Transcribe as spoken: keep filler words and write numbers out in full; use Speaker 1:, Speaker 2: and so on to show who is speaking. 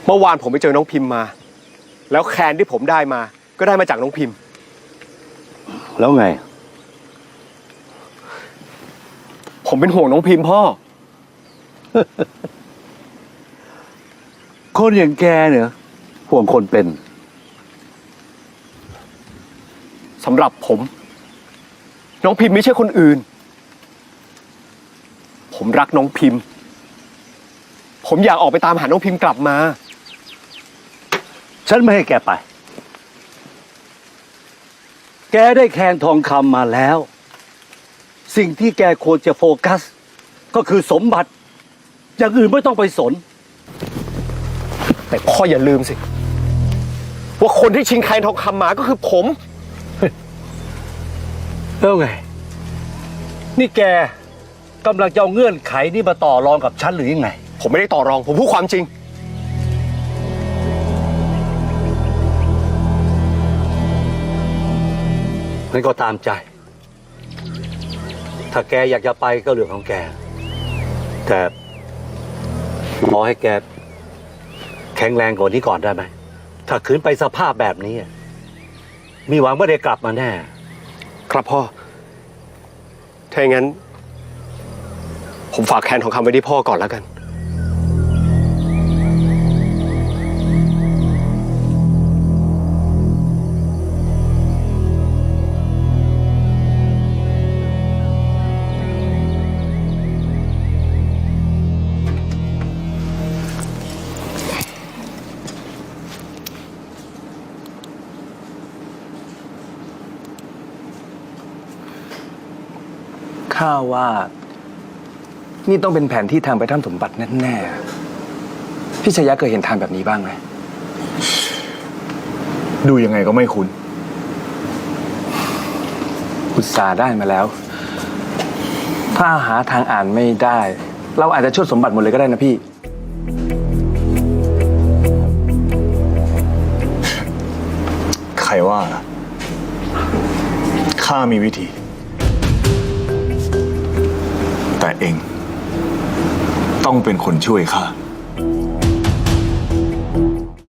Speaker 1: เมื่อวานผมไปเจอน้องพิมพ์มาแล้วแคนที่ผมได้มาก็ได้มาจากน้องพิมพ์
Speaker 2: แล้วไง
Speaker 1: ผมเป็นห่วงน้องพิมพ์พ่อ
Speaker 2: คนอย่างแกเนี่ยห่วงคนเป็น
Speaker 1: สำหรับผมน้องพิมพ์ไม่ใช่คนอื่นผมรักน้องพิมพ์ผมอยากออกไปตามหาน้องพิมพ์กลับมา
Speaker 2: ฉันไม่ให้แกไปแกได้แคนทองคำมาแล้วสิ่งที่แกควรจะโฟกัสก็คือสมบัติอย่างอื่นไม่ต้องไปสน
Speaker 1: แต่พ่ออย่าลืมสิว่าคนที่ชิงแคนทองคำมาก็คือผม
Speaker 2: แล้วไงนี่แกกำลังจะเอาเงื่อนไขนี่มาต่อรองกับฉันหรือยังไง
Speaker 1: ผมไม่ได้ต่อรองผมพูดความจริง
Speaker 2: งั้นก็ตามใจถ้าแกอยากจะไปก็เรื่องของแกแต่ขอให้แกแข็งแรงกว่านี้ก่อนได้ไหมถ้าขืนไปสภาพแบบนี้มีหวังว่าได้กลับมาแน่
Speaker 1: ครับพ่อถ้าอย่างนั้นผมฝากแคนทองคำไว้ที่พ่อก่อนแล้วกัน
Speaker 3: ข้าว่านี่ต้องเป็นแผนที่ทางไปถ้ำสมบัติแน่ๆพี่ชยะเคยเห็นทางแบบนี้บ้างไหม
Speaker 4: ดูยังไงก็ไม่คุ้น
Speaker 3: อุตส่าห์ได้มาแล้วถ้าหาทางอ่านไม่ได้เราอาจจะชดสมบัติหมดเลยก็ได้นะพี่
Speaker 4: ใครว่าล่ะข้ามีวิธีแต่เองต้องเป็นคนช่วยข้า